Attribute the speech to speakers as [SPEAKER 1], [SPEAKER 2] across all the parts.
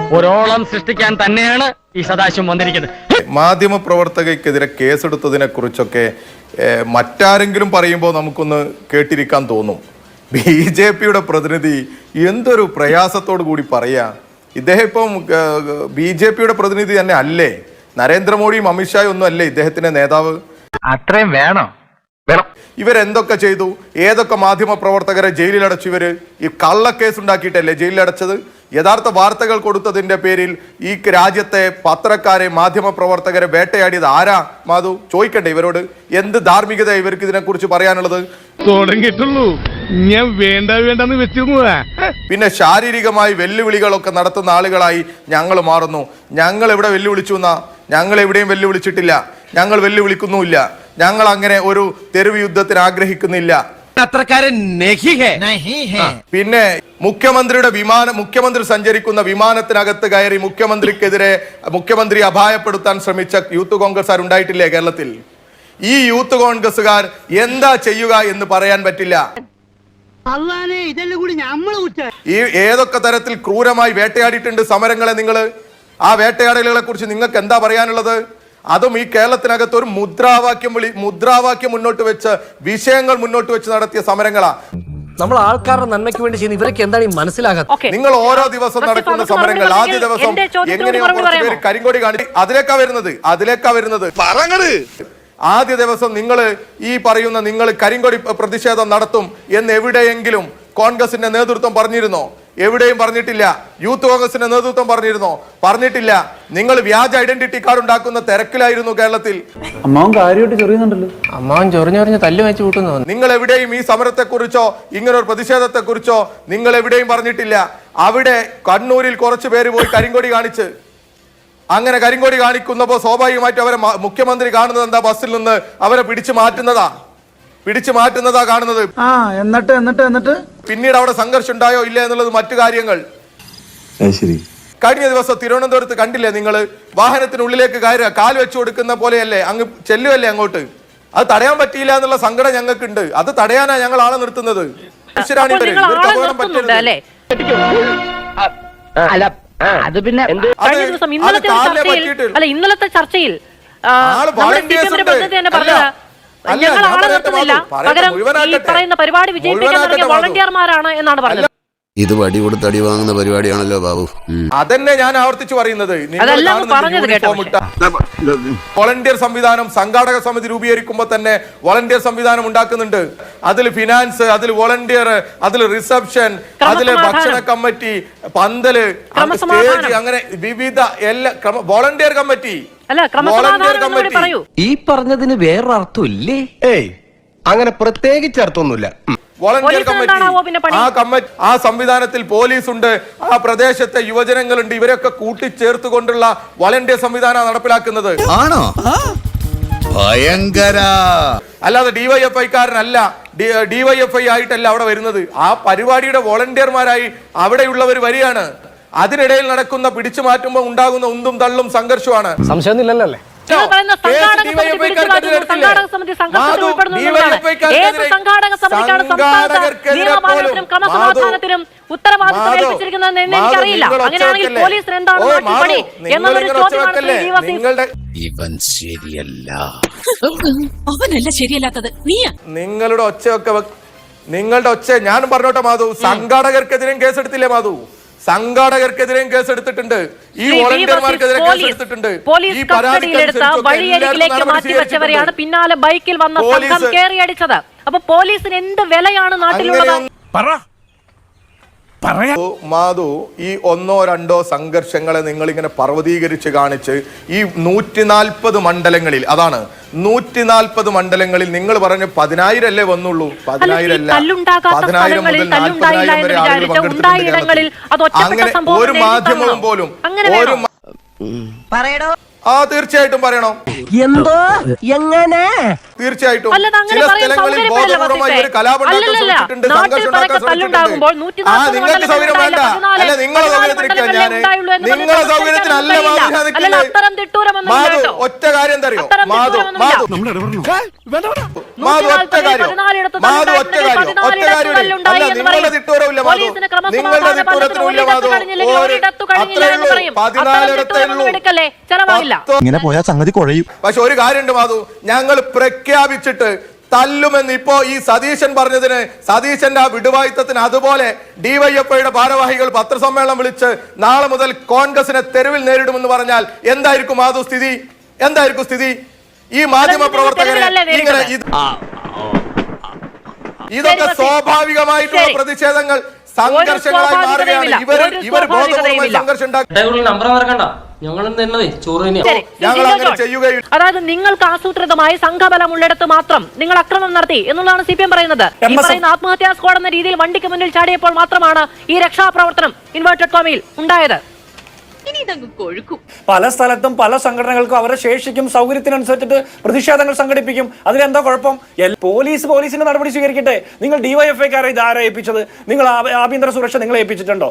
[SPEAKER 1] ഒരോളം സൃഷ്ടിക്കാൻ തന്നെയാണ് ഈ സദാശിവം വന്നിരിക്കുന്നത്.
[SPEAKER 2] മാധ്യമ പ്രവർത്തകയ്ക്കെതിരെ കേസെടുത്തതിനെ കുറിച്ചൊക്കെ മറ്റാരെങ്കിലും പറയുമ്പോൾ നമുക്കൊന്ന് കേട്ടിരിക്കാൻ തോന്നും. BJPയുടെ പ്രതിനിധി എന്തൊരു പ്രയാസത്തോടു കൂടി പറയാ. ഇദ്ദേഹം ഇപ്പം BJPയുടെ പ്രതിനിധി തന്നെ അല്ലേ? നരേന്ദ്രമോദിയും അമിത്ഷായും ഒന്നും അല്ലേ ഇദ്ദേഹത്തിന്റെ നേതാവ്?
[SPEAKER 3] അത്രയും വേണം.
[SPEAKER 2] ഇവരെന്തൊക്കെ ചെയ്തു? ഏതൊക്കെ മാധ്യമ പ്രവർത്തകരെ ജയിലിലടച്ചു? ഇവര് ഈ കള്ളക്കേസ് ഉണ്ടാക്കിയിട്ടല്ലേ ജയിലിലടച്ചത്? യഥാർത്ഥ വാർത്തകൾ കൊടുത്തതിന്റെ പേരിൽ ഈ രാജ്യത്തെ പത്രക്കാരെ മാധ്യമ പ്രവർത്തകരെ വേട്ടയാടിയത് ആരാ? മാധു, ചോദിക്കട്ടെ ഇവരോട്. എന്ത് ധാർമ്മികത ഇവർക്ക് ഇതിനെ കുറിച്ച് പറയാനുള്ളത്?
[SPEAKER 4] തുടങ്ങിയിട്ടുള്ളൂ, ഞാൻ വേണ്ടെന്ന് വെച്ചിരുന്നതാ.
[SPEAKER 2] പിന്നെ ശാരീരികമായി വെല്ലുവിളികളൊക്കെ നടത്തുന്ന ആളുകളായി ഞങ്ങൾ മാറുന്നു. ഞങ്ങൾ എവിടെ വെല്ലുവിളിച്ചു എന്നാ? ഞങ്ങൾ എവിടെയും വെല്ലുവിളിച്ചിട്ടില്ല. ഞങ്ങൾ വെല്ലുവിളിക്കുന്നുമില്ല. ഞങ്ങൾ അങ്ങനെ ഒരു തെരുവ് യുദ്ധത്തിന് ആഗ്രഹിക്കുന്നില്ല. പിന്നെ മുഖ്യമന്ത്രി സഞ്ചരിക്കുന്ന വിമാനത്തിനകത്ത് കയറി മുഖ്യമന്ത്രിയെ അപായപ്പെടുത്താൻ ശ്രമിച്ച യൂത്ത് കോൺഗ്രസ്സുകാർ ഉണ്ടായിട്ടില്ലേ കേരളത്തിൽ? ഈ യൂത്ത് കോൺഗ്രസ്സുകാർ എന്താ ചെയ്യുക എന്ന് പറയാൻ പറ്റില്ല. ഈ ഏതൊക്കെ തരത്തിൽ ക്രൂരമായി വേട്ടയാടിയിട്ടുണ്ട് സമരങ്ങളെ നിങ്ങൾ. ആ വേട്ടയാടലുകളെ കുറിച്ച് നിങ്ങൾക്ക് എന്താ പറയാനുള്ളത്? അതും ഈ കേരളത്തിനകത്ത് ഒരു മുദ്രാവാക്യം മുന്നോട്ട് വെച്ച് വിഷയങ്ങൾ മുന്നോട്ട് വെച്ച് നടത്തിയ സമരങ്ങളാ.
[SPEAKER 5] നമ്മൾ ആൾക്കാരുടെ നന്മയ്ക്ക് വേണ്ടി ചെയ്യുന്ന ഇവരൊക്കെ എന്താണ് ഈ മനസ്സിലാകാത്തത്?
[SPEAKER 2] നിങ്ങൾ ഓരോ ദിവസം നടക്കുന്ന സമരങ്ങൾ, ആദ്യ ദിവസം എങ്ങനെയോ കുറച്ച് പേര് കരിങ്കൊടി കാണിച്ചു, അതിലേക്കാ വരുന്നത്. ആദ്യ ദിവസം നിങ്ങൾ ഈ പറയുന്ന നിങ്ങൾ കരിങ്കൊടി പ്രതിഷേധം നടത്തും എന്ന് എവിടെയെങ്കിലും കോൺഗ്രസിന്റെ നേതൃത്വം പറഞ്ഞിരുന്നോ? എവിടെയും പറഞ്ഞിട്ടില്ല. യൂത്ത് കോൺഗ്രസിന്റെ നേതൃത്വം പറഞ്ഞിട്ടില്ല. നിങ്ങൾ വ്യാജ ഐഡന്റിറ്റി കാർഡ് ഉണ്ടാക്കുന്ന തിരക്കിലായിരുന്നു കേരളത്തിൽ. നിങ്ങൾ എവിടെയും ഈ സമരത്തെ കുറിച്ചോ ഇങ്ങനൊരു പ്രതിഷേധത്തെ കുറിച്ചോ നിങ്ങൾ എവിടെയും പറഞ്ഞിട്ടില്ല. അവിടെ കണ്ണൂരിൽ കുറച്ചു പേര് പോയി കരിങ്കൊടി കാണിച്ച്, അങ്ങനെ കരിങ്കൊടി കാണിക്കുന്നപ്പോ സ്വാഭാവികമായിട്ട് അവരെ മുഖ്യമന്ത്രി കാണുന്നത് എന്താ? ബസ്സിൽ നിന്ന് അവരെ പിടിച്ചു മാറ്റുന്നതാ കാണുന്നത്.
[SPEAKER 6] എന്നിട്ട്
[SPEAKER 2] പിന്നീട് അവിടെ സംഘർഷം ഉണ്ടായോ ഇല്ല എന്നുള്ളത് മറ്റു കാര്യങ്ങൾ. കഴിഞ്ഞ ദിവസം തിരുവനന്തപുരത്ത് കണ്ടില്ലേ നിങ്ങൾ? വാഹനത്തിനുള്ളിലേക്ക് കയറുക, കാൽ വെച്ചു കൊടുക്കുന്ന പോലെയല്ലേ, അങ്ങ് ചെല്ലുവല്ലേ അങ്ങോട്ട്. അത് തടയാൻ പറ്റിയില്ല എന്നുള്ള സങ്കടം ഞങ്ങൾക്കുണ്ട്. അത് തടയാനാ ഞങ്ങൾ ആളെ നിർത്തുന്നത്.
[SPEAKER 7] ഇന്നലത്തെ ചർച്ചയിൽ ഞങ്ങൾ ആളെ നിർത്തുന്നില്ല, പകരം ഈ പറയുന്ന പരിപാടി വിജയിപ്പിക്കാൻ വോളണ്ടിയർമാരാണ് എന്നാണ് പറഞ്ഞത്.
[SPEAKER 8] ഇത് വടി കൊടുത്ത് അടി വാങ്ങുന്ന പരിപാടിയാണല്ലോ ബാബു.
[SPEAKER 2] അതന്നെ ഞാൻ ആവർത്തിച്ചു പറയുന്നത്. വോളണ്ടിയർ സംവിധാനം, സംഘാടക സമിതി രൂപീകരിക്കുമ്പോൾ തന്നെ വോളണ്ടിയർ സംവിധാനം ഉണ്ടാക്കുന്നുണ്ട്. അതിൽ ഫിനാൻസ്, അതിൽ വോളണ്ടിയർ, അതിൽ റിസപ്ഷൻ, അതിൽ ഭക്ഷണ കമ്മിറ്റി, പന്തല്, സ്റ്റേജ്, അങ്ങനെ വിവിധ എല്ലാ വോളണ്ടിയർ കമ്മിറ്റി.
[SPEAKER 5] ഈ പറഞ്ഞതിന് വേറൊരർത്ഥം ഇല്ലേ?
[SPEAKER 3] അങ്ങനെ പ്രത്യേകിച്ച് അർത്ഥമൊന്നുമില്ല.
[SPEAKER 2] വോളണ്ടിയർ കമ്മിറ്റി, ആ സംവിധാനത്തിൽ പോലീസ് ഉണ്ട്, ആ പ്രദേശത്തെ യുവജനങ്ങളുണ്ട്. ഇവരൊക്കെ കൂട്ടിച്ചേർത്തുകൊണ്ടുള്ള വോളണ്ടിയർ സംവിധാനം നടപ്പിലാക്കുന്നത്.
[SPEAKER 8] ആണോ? ഭയങ്കര.
[SPEAKER 2] അല്ലാതെ ഡിവൈഎഫ്ഐക്കാരനല്ല, ഡിവൈഎഫ്ഐ ആയിട്ടല്ല അവിടെ വരുന്നത്. ആ പരിപാടിയുടെ വോളണ്ടിയർമാരായി അവിടെയുള്ളവർ വരികയാണ്. അതിനിടയിൽ നടക്കുന്ന പിടിച്ചു മാറ്റുമ്പോൾ ഉണ്ടാകുന്ന ഉന്തും തള്ളും സംഘർഷമാണ്.
[SPEAKER 5] സംശയമൊന്നുമില്ലല്ലോ അല്ലേ?
[SPEAKER 7] ക്രമസമാധാനത്തിനും ഉത്തരവാദിത്വം ഏൽപ്പിച്ചിരിക്കുന്നതെന്ന് എനിക്കറിയില്ല. അങ്ങനെയാണെങ്കിൽ പോലീസിന് എന്താണ് പണി എന്നുള്ളൊരു ചോദ്യമാണ്.
[SPEAKER 8] ഇവൻ ശരിയല്ല.
[SPEAKER 7] അവനല്ല ശരിയല്ലാത്തത്,
[SPEAKER 2] നിങ്ങളുടെ ഒച്ച ഞാനും പറഞ്ഞോട്ടെ മാധു. സംഘാടകർക്കെതിരെയും കേസെടുത്തില്ലേ മാധു? സംഘാടകർക്കെതിരെയും കേസെടുത്തിട്ടുണ്ട്. ഈ വോളണ്ടിയർമാർക്കെതിരെ കേസെടുത്തിട്ടുണ്ട്.
[SPEAKER 7] പോലീസ് കസ്റ്റഡിയിലെടുത്ത വഴിയരികിലേക്ക് മാറ്റിവെച്ചവരെയാണ് പിന്നാലെ ബൈക്കിൽ വന്ന സംഘം കേറിയടിച്ചത്. അപ്പൊ പോലീസിന് എന്ത് വിലയാണ് നാട്ടിലുള്ളത്?
[SPEAKER 2] മാധു, ഈ ഒന്നോ രണ്ടോ സംഘർഷങ്ങളെ നിങ്ങൾ ഇങ്ങനെ പർവ്വതീകരിച്ച് കാണിച്ച് ഈ 140 മണ്ഡലങ്ങളിൽ, അതാണ് 140 മണ്ഡലങ്ങളിൽ നിങ്ങൾ പറഞ്ഞ 10,000 അല്ലേ വന്നുള്ളൂ? 10,000 അല്ല, 10,000 മുതൽ 40,000 വരെ ആളുകൾ പങ്കെടുത്തിട്ടുണ്ട്. അങ്ങനെ ഒരു മാധ്യമവും പോലും തീർച്ചയായിട്ടും പറയണോ?
[SPEAKER 5] എന്തോ എങ്ങനെ?
[SPEAKER 2] തീർച്ചയായിട്ടും ചില സ്ഥലങ്ങളിൽ ബോധപൂർവമായി ഒരു കലാപം ഉണ്ടാക്കാൻ ശ്രമിച്ചിട്ടുണ്ട്, സംഘർഷം ഉണ്ടാക്കാൻ ശ്രമിച്ചിട്ടുണ്ട്. നിങ്ങൾക്ക് സൗകര്യം വേണ്ട, അല്ല നിങ്ങൾ സൗകര്യം സൗകര്യത്തിനൊക്കെ ഞാൻ നിങ്ങളെ സൗകര്യത്തിനല്ല മാധു ഒറ്റ കാര്യം തരുമോ മാധു ഒറ്റ കാര്യം അല്ല നിങ്ങളുടെ തിട്ടൂരമില്ല മാധു നിങ്ങളുടെ തിട്ടൂരത്തിനുമില്ല മാധു അത്രേ ഉള്ളൂ 14 ഉള്ളൂ
[SPEAKER 6] ഇങ്ങനെ പോയാൽ സംഗതി കുഴയും.
[SPEAKER 2] പക്ഷെ ഒരു കാര്യമുണ്ട് മാധു, ഞങ്ങൾ പ്രഖ്യാപിച്ചിട്ട് തല്ലുമെന്ന് ഇപ്പോ ഈ സതീശൻ പറഞ്ഞതിന്, സതീശന്റെ ആ വിടുവായുത്തത്തിന്, അതുപോലെ ഡിവൈഎഫ്ഐയുടെ ഭാരവാഹികൾ പത്രസമ്മേളനം വിളിച്ച് നാളെ മുതൽ കോൺഗ്രസിനെ തെരുവിൽ നേരിടുമെന്ന് പറഞ്ഞാൽ എന്തായിരിക്കും മാധു സ്ഥിതി? എന്തായിരിക്കും സ്ഥിതി? ഈ മാധ്യമ പ്രവർത്തകരെ ഇങ്ങനെ ഇതൊക്കെ സ്വാഭാവികമായിട്ടുള്ള പ്രതിഷേധങ്ങൾ സംഘർഷങ്ങളായി മാറുകയാണ്. ഇവർ ബോധപൂർവ്വമായി സംഘർഷം
[SPEAKER 7] അതായത് നിങ്ങൾക്ക് ആസൂത്രിതമായി സംഘബലം ഉള്ളിടത്ത് മാത്രം നിങ്ങൾ അക്രമം നടത്തി എന്നുള്ളതാണ് CPM പറയുന്നത്. ഈ പറയുന്ന ആത്മഹത്യാ സ്ക്വാഡ് എന്ന രീതിയിൽ വണ്ടിക്ക് മുന്നിൽ ചാടിയപ്പോൾ മാത്രമാണ് ഈ രക്ഷാപ്രവർത്തനം ഇൻവേർട്ടഡ് കോമയിൽ ഉണ്ടായത്.
[SPEAKER 9] പല സ്ഥലത്തും പല സംഘടനകൾക്കും അവരുടെ ശേഷിക്കും സൗകര്യത്തിനനുസരിച്ചിട്ട് പ്രതിഷേധങ്ങൾ സംഘടിപ്പിക്കും. അതിലെന്താ കുഴപ്പം? പോലീസിന്റെ നടപടി സ്വീകരിക്കട്ടെ. നിങ്ങൾ ഡിവൈഎഫ്ഐക്കാരെ ഇതാരാ ഏൽപ്പിച്ചത്? നിങ്ങൾ ആഭ്യന്തര സുരക്ഷ നിങ്ങളെ ഏൽപ്പിച്ചിട്ടുണ്ടോ?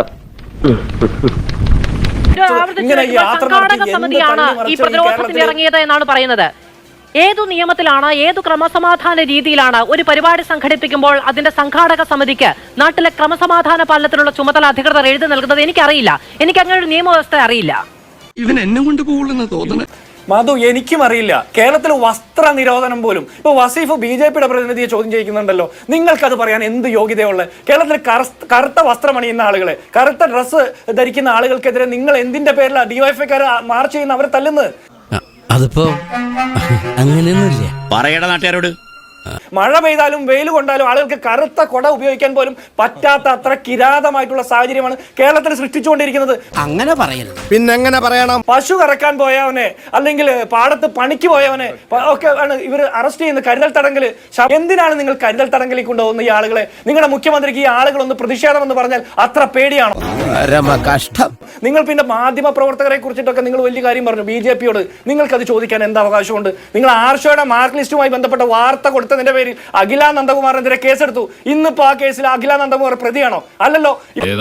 [SPEAKER 7] സംഘാടക സമിതിയാണ് ഈ പ്രതിരോധത്തിന് ഇറങ്ങിയത് എന്നാണ് പറയുന്നത്. ഏതു നിയമത്തിലാണ്, ഏതു ക്രമസമാധാന രീതിയിലാണ് ഒരു പരിപാടി സംഘടിപ്പിക്കുമ്പോൾ അതിന്റെ സംഘാടക സമിതിക്ക് നാട്ടിലെ ക്രമസമാധാന പാലനത്തിനുള്ള ചുമതല അധികൃതർ എഴുതി നൽകുന്നത്? എനിക്കറിയില്ല. എനിക്ക് അങ്ങനെ ഒരു നിയമവ്യവസ്ഥ അറിയില്ല.
[SPEAKER 8] ഇവൻ എന്നെ കൊണ്ട് പോകുള്ളെന്ന് തോന്നുന്നു.
[SPEAKER 9] മാധു, എനിക്കും അറിയില്ല. കേരളത്തിൽ വസ്ത്ര നിരോധനം പോലും ഇപ്പൊ വസീഫ് BJPയുടെ പ്രതിനിധിയെ ചോദ്യം ചെയ്യുന്നുണ്ടല്ലോ. നിങ്ങൾക്കത് പറയാൻ എന്ത് യോഗ്യതയുള്ള? കേരളത്തിൽ കറുത്ത വസ്ത്രം അണിയുന്ന ആളുകളെ, കറുത്ത ഡ്രസ്സ് ധരിക്കുന്ന ആളുകൾക്കെതിരെ നിങ്ങൾ എന്തിന്റെ പേരിലാണ് ഡിവൈഎഫ്ഐക്കാർ മാർച്ച് ചെയ്യുന്ന അവരെ തല്ലുന്നത്?
[SPEAKER 5] അതിപ്പോ അങ്ങനെയൊന്നുമില്ല.
[SPEAKER 8] പറയട നാട്ടുകാരോട്.
[SPEAKER 9] മഴ പെയ്താലും വെയിൽ കൊണ്ടാലും ആളുകൾക്ക് കറുത്ത കൊട ഉപയോഗിക്കാൻ പോലും പറ്റാത്ത അത്ര കിരാതമായിട്ടുള്ള സാഹചര്യമാണ് കേരളത്തിൽ സൃഷ്ടിച്ചുകൊണ്ടിരിക്കുന്നത്.
[SPEAKER 5] അങ്ങനെ പറയരുത്.
[SPEAKER 3] പിന്നെ എങ്ങനെ പറയണം?
[SPEAKER 9] പശു കറക്കാൻ പോയവനെ അല്ലെങ്കിൽ പാടത്ത് പണിക്ക് പോയവനെ ഒക്കെ ആണ് ഇവർ അറസ്റ്റ് ചെയ്യുന്നത്. കരുതൽ തടങ്കൽ. എന്തിനാണ് നിങ്ങൾ കരുതൽ തടങ്കലിൽ കൊണ്ടുപോകുന്ന ഈ ആളുകളെ? നിങ്ങളുടെ മുഖ്യമന്ത്രിക്ക് ഈ ആളുകളൊന്ന് പ്രതിഷേധം എന്ന് പറഞ്ഞാൽ അത്ര പേടിയാണോ?
[SPEAKER 3] കഷ്ടം.
[SPEAKER 9] നിങ്ങൾ പിന്നെ മാധ്യമ പ്രവർത്തകരെ കുറിച്ചിട്ടൊക്കെ നിങ്ങൾ വലിയ കാര്യം പറഞ്ഞു BJPയോട്. നിങ്ങൾക്കത് ചോദിക്കാൻ എന്താ അവകാശമുണ്ട്? നിങ്ങൾ ആർഷയുടെ മാർക്ക് ലിസ്റ്റുമായി ബന്ധപ്പെട്ട വാർത്ത കൊടുത്തതിന്റെ പേരിൽ അഖില നന്ദകുമാറിനെതിരെ കേസെടുത്തു. ഇന്നിപ്പോ ആ കേസിൽ അഖില നന്ദകുമാർ പ്രതിയാണോ? അല്ലല്ലോ.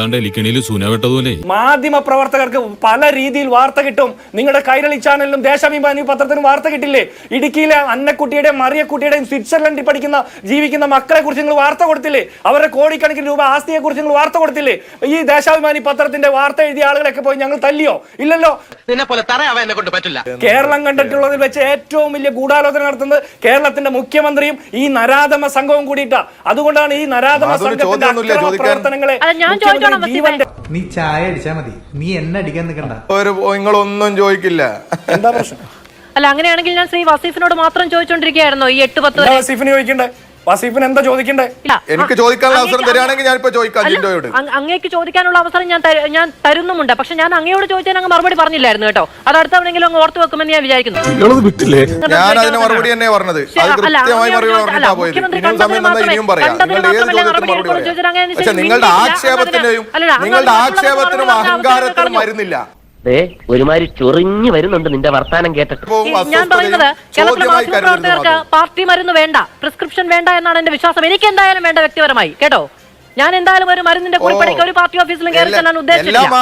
[SPEAKER 9] മാധ്യമ പ്രവർത്തകർക്ക് പല രീതിയിൽ വാർത്ത കിട്ടും. നിങ്ങളുടെ കൈരളി ചാനലിലും ദേശാഭിമാനി പത്രത്തിനും വാർത്ത കിട്ടില്ലേ? ഇടുക്കിയിലെ അന്നക്കുട്ടിയുടെയും മറിയക്കുട്ടിയുടെയും സ്വിറ്റ്സർലൻഡിൽ ജീവിക്കുന്ന മക്കളെ കുറിച്ച് നിങ്ങൾ വാർത്ത കൊടുത്തില്ലേ? അവരുടെ കോടിക്കണക്കിന് രൂപ ആസ്തിയെ കുറിച്ച് നിങ്ങൾ വാർത്ത കൊടുത്തില്ലേ? ഈ ദേശാഭിമാനി പത്രത്തിന്റെ വാർത്ത എഴുതിയ ആളുകളൊക്കെ പോയി ഞങ്ങൾ തല്ലിയോ? ഇല്ലല്ലോ. കേരളം കണ്ടിട്ടുള്ളതിൽ വെച്ച് ഏറ്റവും വലിയ ഗൂഢാലോചന നടത്തുന്നത് കേരളത്തിന്റെ മുഖ്യമന്ത്രിയും ഈ നരാധമ സംഘവും കൂടിയിട്ടാ. അതുകൊണ്ടാണ് ഈ നരാധമ സംഘത്തിന്റെ പ്രവർത്തനങ്ങളെ
[SPEAKER 6] നീ ചായ അടിച്ചാ മതി, നീ എന്നെ അടിക്കാൻ നിൽക്കണ്ട.
[SPEAKER 2] നിങ്ങളൊന്നും ചോദിക്കില്ല.
[SPEAKER 9] എന്താ പ്രശ്നം?
[SPEAKER 7] അല്ല, അങ്ങനെയാണെങ്കിൽ ഞാൻ ശ്രീ വസീഫിനോട് മാത്രം ചോദിച്ചോണ്ടിരിക്കുകയായിരുന്നു. ഈ 8-10
[SPEAKER 9] വസീഫിന് ചോദിക്കണ്ടേ? വസീഫിന് എന്താ ചോദിക്കണ്ടേ?
[SPEAKER 2] എനിക്ക് ചോദിക്കാനുള്ള അവസരം തരികയാണെങ്കിൽ ഞാൻ ഇപ്പൊ ചോദിക്കാം.
[SPEAKER 7] അങ്ങേക്ക് ചോദിക്കാനുള്ള അവസരം ഞാൻ തരുന്നുമുണ്ട്. പക്ഷെ ഞാൻ അങ്ങയോട് ചോദിച്ചാൽ അങ്ങ് മറുപടി പറഞ്ഞില്ലായിരുന്നു കേട്ടോ. അത് അടുത്തവണെങ്കിലും അങ്ങ് ഓർത്തു വെക്കുമെന്ന് ഞാൻ വിചാരിക്കുന്നു.
[SPEAKER 2] ഞാൻ അതിന് മറുപടി തന്നെ പറഞ്ഞത്. പക്ഷെ നിങ്ങളുടെ ആക്ഷേപത്തിനും അഹങ്കാരത്തിനും വരുന്നില്ല.
[SPEAKER 1] ഒരുമാതിരി ചൊറിഞ്ഞു വരുന്നുണ്ട് നിന്റെ വർത്താനം കേട്ടിട്ട്.
[SPEAKER 7] ഞാൻ പറയുന്നത് കേരളത്തിലെ മാധ്യമപ്രവർത്തകർക്ക് പാർട്ടി മരുന്ന് വേണ്ട, പ്രിസ്ക്രിപ്ഷൻ വേണ്ട എന്നാണ് എന്റെ വിശ്വാസം. എനിക്ക് എന്തായാലും വേണ്ട വ്യക്തിപരമായി കേട്ടോ. ഞാൻ എന്തായാലും ഒരു മരുന്നിന്റെ കുറിപ്പടിക്ക് ഒരു പാർട്ടി ഓഫീസിലും കയറി ചെല്ലാൻ ഉദ്ദേശിച്ചില്ല.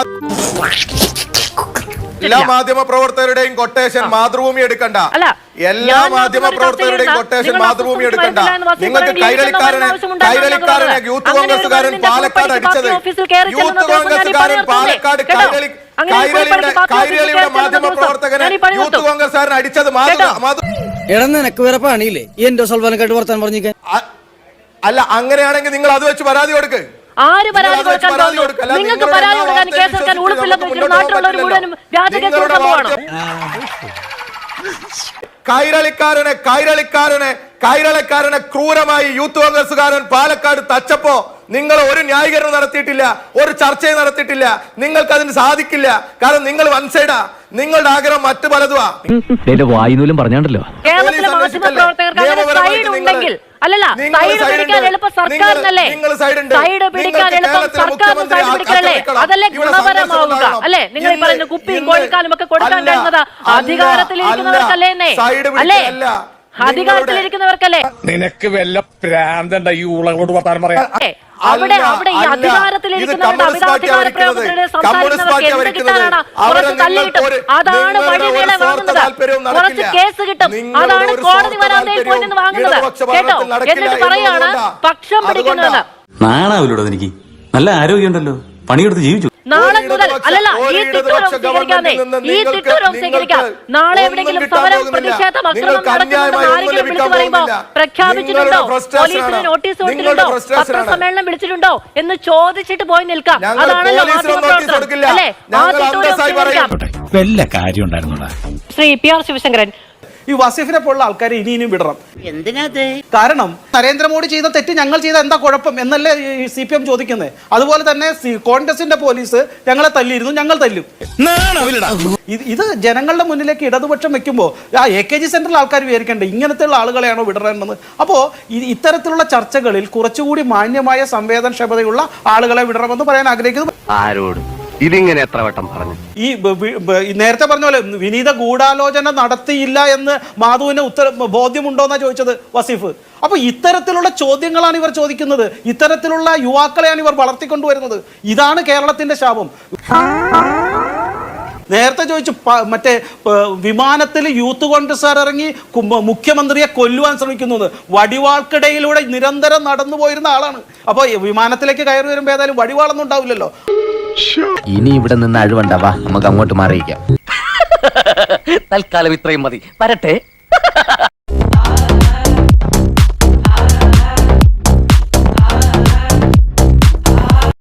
[SPEAKER 2] എല്ലാ മാധ്യമ പ്രവർത്തകരുടെയും കൊട്ടേഷൻ മാതൃഭൂമി എടുക്കണ്ട. എല്ലാ മാധ്യമ പ്രവർത്തകരുടെയും കൊട്ടേഷൻ മാതൃഭൂമി എടുക്കണ്ട. നിങ്ങൾക്ക് കൈരളിക്കാരനെ യൂത്ത് കോൺഗ്രസ്സുകാരൻ പാലക്കാട് അടിച്ചത്, യൂത്ത് കോൺഗ്രസ്സുകാരൻ പാലക്കാട് കൈരളിയുടെ മാധ്യമ പ്രവർത്തകനെ യൂത്ത് കോൺഗ്രസ്സുകാരൻ അടിച്ചത്
[SPEAKER 5] നിനക്ക് വേറെ പണിയില്ലേ ഈ എന്റെ സൽവാനക്കാട്ട് വർത്താൻ പറഞ്ഞിരിക്കാൻ?
[SPEAKER 2] അല്ല, അങ്ങനെയാണെങ്കിൽ നിങ്ങൾ അത് വെച്ച് പരാതി കൊടുക്ക്.
[SPEAKER 7] ആര് പരാതി കൊടുക്കാൻ? നിങ്ങൾക്ക് പരാതി കൊടുക്കാൻ, കേസെടുക്കാൻ ഉളുപ്പില്ലെന്ന് വെച്ചിട്ട് നാട്ടിലുള്ളവർ മുഴുവനും വ്യാജ കേസ് കൊടുക്കാൻ പോവാണ്.
[SPEAKER 2] കൈരളിക്കാരനെ ക്രൂരമായി യൂത്ത് കോൺഗ്രസ്സുകാരൻ പാലക്കാട് തച്ചപ്പോ നിങ്ങൾ ഒരു ന്യായീകരണം നടത്തിയിട്ടില്ല, ഒരു ചർച്ചയും നടത്തിയിട്ടില്ല. നിങ്ങൾക്ക് അതിന് സാധിക്കില്ല. കാരണം നിങ്ങൾ വൺ സൈഡാ. നിങ്ങളുടെ ആഗ്രഹം മറ്റു പലതുവാ.
[SPEAKER 1] വായുനൂലും പറഞ്ഞാണ്ടല്ലോ.
[SPEAKER 7] കേരളത്തിലെ മാധ്യമപ്രവർത്തകർക്ക് അങ്ങനെ സൈഡ് ഉണ്ടെങ്കിൽ അല്ലല്ല, സൈഡ് പിടിക്കാൻ എളുപ്പം സർക്കാരിനല്ലേ? സൈഡ് പിടിക്കാൻ എളുപ്പം സർക്കാരിന് സൈഡ് പിടിക്കലല്ലേ? അതല്ലേ ഗുണപരമാവുക അല്ലേ? നിങ്ങൾ ഈ പറയുന്ന കുപ്പിയും കോഴിക്കാലും ഒക്കെ കൊടുക്കാൻ കഴിയുന്നത് അധികാരത്തിലിരിക്കുന്നവർക്കല്ലേ? അല്ലേ? അധികാരത്തിലിരിക്കുന്നവർക്കല്ലേ
[SPEAKER 4] നിനക്ക് വല്ല പ്രാന്തണ്ട ഈ ഉളകളോട് വർത്താനം പറയാ.
[SPEAKER 7] അവിടെ ഈ അധികാരത്തിലിരിക്കുന്നവരുടെ അധികാര പ്രയോഗത്തിലൂടെ സംസാരിക്കുന്നവർക്ക് എന്ത് കിട്ടാനാണ്? കുറച്ച് തല്ല് കിട്ടും, അതാണ് വഴിവേല വാങ്ങുന്നത്. കുറച്ച് കേസ് കിട്ടും, അതാണ് കോടതി വരാന്തയിൽ പോയി നിന്ന് വാങ്ങുന്നത്. കേട്ടോ? എന്നിട്ട് പറയാണ് പക്ഷം പിടിക്കുന്നുവെന്ന്.
[SPEAKER 10] നാണാവില്ലോടോ എനിക്ക്? നല്ല ആരോഗ്യമുണ്ടല്ലോ, പണിയെടുത്ത് ജീവിച്ചു.
[SPEAKER 7] നാളെ മുതൽ അല്ലല്ല, ഈ തിട്ടൂരം സ്വീകരിക്കാതെ ഈ തിട്ടൂരം സ്വീകരിക്കാം. നാളെ എവിടെയെങ്കിലും സമരം, പ്രതിഷേധം, അക്രമം നടക്കുന്നുണ്ടെന്ന് ആരെങ്കിലും വിളിച്ചു പറയുമ്പോ പ്രഖ്യാപിച്ചിട്ടുണ്ടോ, പോലീസിന് നോട്ടീസ് കൊടുത്തിട്ടുണ്ടോ, പത്രസമ്മേളനം വിളിച്ചിട്ടുണ്ടോ എന്ന് ചോദിച്ചിട്ട് പോയി നിൽക്കാം. അതാണല്ലോ മാധ്യമപ്രവർത്തനം അല്ലേ? ആ തിട്ടൂരം സ്വീകരിക്കാം.
[SPEAKER 10] വല്ല കാര്യം ഉണ്ടായിരുന്നോടാ.
[SPEAKER 7] ശ്രീ PR ശിവശങ്കരൻ,
[SPEAKER 6] ഈ വസീഫിനെ പോലുള്ള ആൾക്കാരെ ഇനിയും വിടണം. കാരണം നരേന്ദ്രമോദി ചെയ്ത തെറ്റ് ഞങ്ങൾ ചെയ്ത എന്താ കുഴപ്പം എന്നല്ലേ CPM ചോദിക്കുന്നത്. അതുപോലെ തന്നെ കോൺഗ്രസിന്റെ പോലീസ് ഞങ്ങളെ തല്ലിയിരുന്നു, ഞങ്ങൾ തല്ലും. ഇത് ജനങ്ങളുടെ മുന്നിലേക്ക് ഇടതുപക്ഷം വെക്കുമ്പോൾ AKG സെന്ററിൽ ആൾക്കാർ വിചാരിക്കേണ്ടത് ഇങ്ങനത്തെയുള്ള ആളുകളെയാണോ വിടണമെന്ന്. അപ്പോൾ ഇത്തരത്തിലുള്ള ചർച്ചകളിൽ കുറച്ചുകൂടി മാന്യമായ സംവേദനക്ഷമതയുള്ള ആളുകളെ വിടണമെന്ന് പറയാൻ ആഗ്രഹിക്കുന്നു.
[SPEAKER 3] ആരോട് ഇതിങ്ങനെ എത്ര വട്ടം പറഞ്ഞു?
[SPEAKER 6] ഈ നേരത്തെ പറഞ്ഞ പോലെ വിനീത ഗൂഢാലോചന നടത്തിയില്ല എന്ന് മാധുവിന് ബോധ്യമുണ്ടോന്നാ ചോദിച്ചത് വസീഫ്. അപ്പൊ ഇത്തരത്തിലുള്ള ചോദ്യങ്ങളാണ് ഇവർ ചോദിക്കുന്നത്, ഇത്തരത്തിലുള്ള യുവാക്കളെയാണ് ഇവർ വളർത്തിക്കൊണ്ടുവരുന്നത്. ഇതാണ് കേരളത്തിന്റെ ശാപം. നേരത്തെ ചോദിച്ചു മറ്റേ വിമാനത്തിൽ യൂത്ത് കോൺഗ്രസ്സുകാർ ഇറങ്ങി മുഖ്യമന്ത്രിയെ കൊല്ലുവാൻ ശ്രമിക്കുന്നത്. വടിവാൾക്കിടയിലൂടെ നിരന്തരം നടന്നു പോയിരുന്ന ആളാണ്. അപ്പൊ വിമാനത്തിലേക്ക് കയറി വരുമ്പോ ഏതായാലും വടിവാളൊന്നും ഉണ്ടാവില്ലല്ലോ.
[SPEAKER 3] ഇനി ഇവിടെ നിന്ന് അഴിവണ്ടാവാ, നമുക്ക് അങ്ങോട്ട് മാറിയിക്കാം.
[SPEAKER 1] തൽക്കാലം ഇത്രയും മതി. വരട്ടെ.